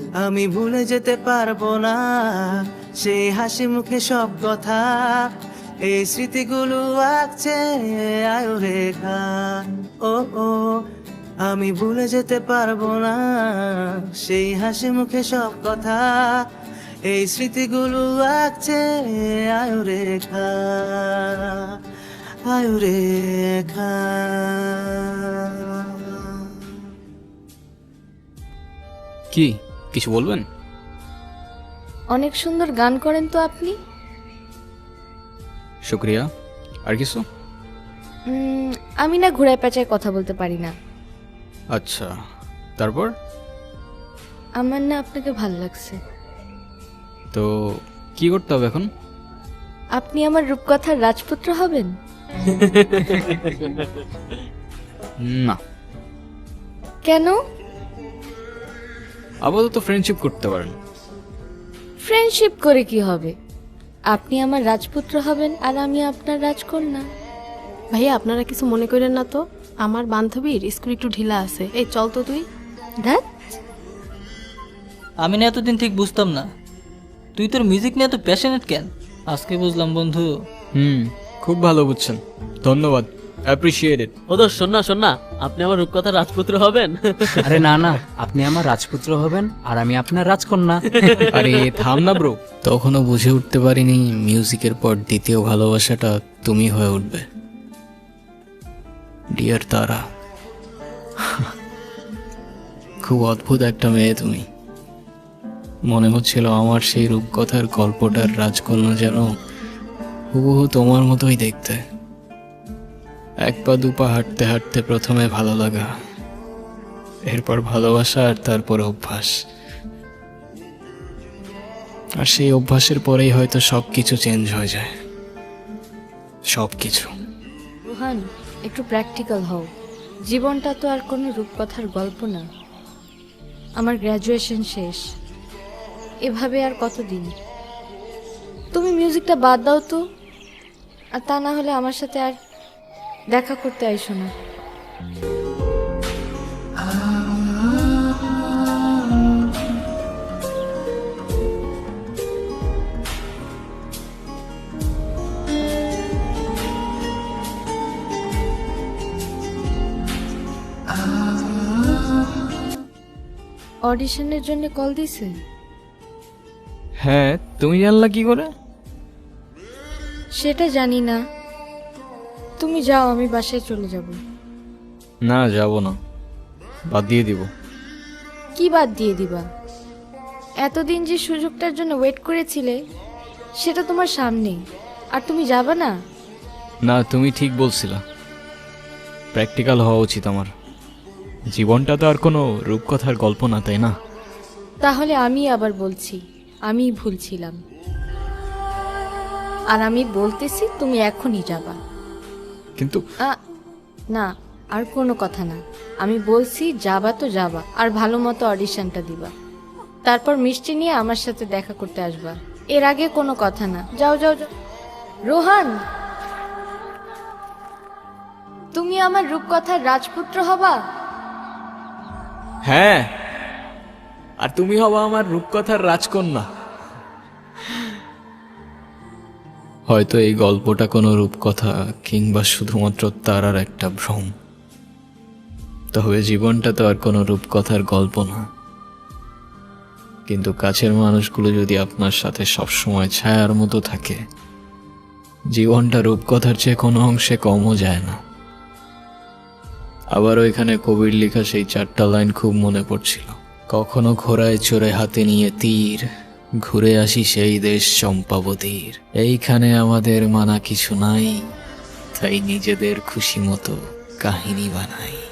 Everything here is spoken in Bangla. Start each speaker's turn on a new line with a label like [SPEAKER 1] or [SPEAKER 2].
[SPEAKER 1] আমি ভুলে যেতে পারবো না সেই হাসি মুখে সব কথা, এই স্মৃতিগুলো আঁকছে আয়ু রেখা। ও ও আমি ভুলে যেতে পারবো না সেই হাসি মুখে সব কথা, এই স্মৃতিগুলো আঁকছে আয়ু রেখা, আয়ু রেখা।
[SPEAKER 2] কি কিছু বলবেন?
[SPEAKER 3] অনেক সুন্দর গান করেন তো আপনি।
[SPEAKER 2] শুক্রিয়া। আর কিছু?
[SPEAKER 3] আমি না ঘুরায় পেঁচায় কথা বলতে পারি না।
[SPEAKER 2] আচ্ছা, তারপর?
[SPEAKER 3] আমার না আপনাকে ভাল লাগছে।
[SPEAKER 2] তো কি করতে হবে এখন?
[SPEAKER 3] আপনি আমার রূপকথার রাজপুত্র হবেন।
[SPEAKER 2] না।
[SPEAKER 3] কেন?
[SPEAKER 2] আপাতত ফ্রেন্ডশিপ করতে পারেন।
[SPEAKER 3] ফ্রেন্ডশিপ করে কি হবে? আপনি আমার রাজপুত্র হবেন আর আমি আপনার রাজকন্যা।
[SPEAKER 4] ভাইয়া আপনারা কিছু মনে করেন না তো, আমার বান্ধবীর স্কুল একটু ঢিলা আছে। এই চল তো তুই।
[SPEAKER 3] ধ্যাৎ,
[SPEAKER 5] আমি না এতদিন ঠিক বুঝতাম না তুই তোর মিউজিক নিয়ে এত প্যাশনেট কেন। আজকে বুঝলাম বন্ধু।
[SPEAKER 2] খুব ভালো বুঝছেন, ধন্যবাদ, অ্যাপ্রিসিয়েটেড।
[SPEAKER 6] ও দোষ, শোন না, আপনি আমার রূপকথার রাজপুত্র হবেন।
[SPEAKER 7] আরে না না, আপনি আমার রাজপুত্র হবেন আর আমি আপনার রাজকন্যা।
[SPEAKER 2] আরে থাম না ব্রো।
[SPEAKER 1] তখনও বুঝে উঠতে পারিনি মিউজিকের পর দ্বিতীয় ভালোবাসাটা তুমি হয়ে উঠবে। ডিয়ার তারা, খুব অদ্ভুত একটা মেয়ে তুমি। মনে হচ্ছিল আমার সেই রূপকথার গল্পটার রাজকন্যা যেন হুবহু তোমার মতোই দেখতে। এক পা দুপা হাঁটতে হাঁটতে প্রথমে ভালো লাগা, এরপর ভালোবাসা, আর তারপর অভ্যাস। আর সেই অভ্যাসের পরেই হয়তো সবকিছু চেঞ্জ হয়ে যায়, সবকিছু।
[SPEAKER 3] রোহান, একটু প্র্যাকটিক্যাল হও। জীবনটা তো আর কোনো রূপকথার গল্প না। আমার গ্র্যাজুয়েশন শেষ, এভাবে আর কতদিন? তুমি মিউজিকটা বাদ দাও তো, আর তা না হলে আমার সাথে আর দেখা করতে আইসো না। অডিশনের জন্য কল দিছে?
[SPEAKER 2] হ্যাঁ, তুমি জানলা কি করে?
[SPEAKER 3] সেটা জানি না। তুমি যাও, আমি বাসায় চলে যাব।
[SPEAKER 2] না, যাব না, বাদ দিয়ে দিব।
[SPEAKER 3] কি বাদ দিয়ে দিবা? এতদিন যে সুযোগটার জন্য ওয়েট করেছিলে সেটা তোমার সামনে, আর তুমি যাবে না?
[SPEAKER 2] না, তুমি ঠিক বলছিলা, প্র্যাকটিক্যাল হওয়া উচিত আমার। জীবনটা তো আর কোনো রূপকথার গল্প না, তাই না?
[SPEAKER 3] তাহলে আমি আবার বলছি, আমি ভুল ছিলাম। আর আমি বলতেছি তুমি এখনই যাবা।
[SPEAKER 2] কিন্তু
[SPEAKER 3] না, আর কোনো কথা না। আমি বলছি যাবা তো যাবা, আর ভালো মতো অডিশনটা দিবা, তারপর মিষ্টি নিয়ে আমার সাথে দেখা করতে আসবা। এর আগে কোনো কথা না। যাও যাও যাও। রোহান, তুমি আমার রূপকথার রাজপুত্র হবা।
[SPEAKER 2] হ্যাঁ, আর তুমি হবা আমার রূপকথার রাজকন্যা। হয়তো এই গল্পটা কোনো রূপকথা কিংবা শুধুমাত্র তারার একটা ভ্রম, তবে জীবনটা তো আর কোনো রূপকথার গল্প না। কিন্তু কাছের মানুষগুলো যদি আপনার সাথে সবসময় ছায়ার মতো থাকে, জীবনটা রূপকথার চেয়ে কোনো অংশে কমও যায় না। আবার ওইখানে কবির লেখা সেই 4টা লাইন খুব মনে পড়ছিল। কখনো ঘোড়ায় চড়ে হাতে নিয়ে তীর, ঘুরে আসি সেই দেশ চম্পাবতীর। এইখানে আমাদের মানা কিছু নাই, তাই নিজেদের খুশি মতো কাহিনী বানাই।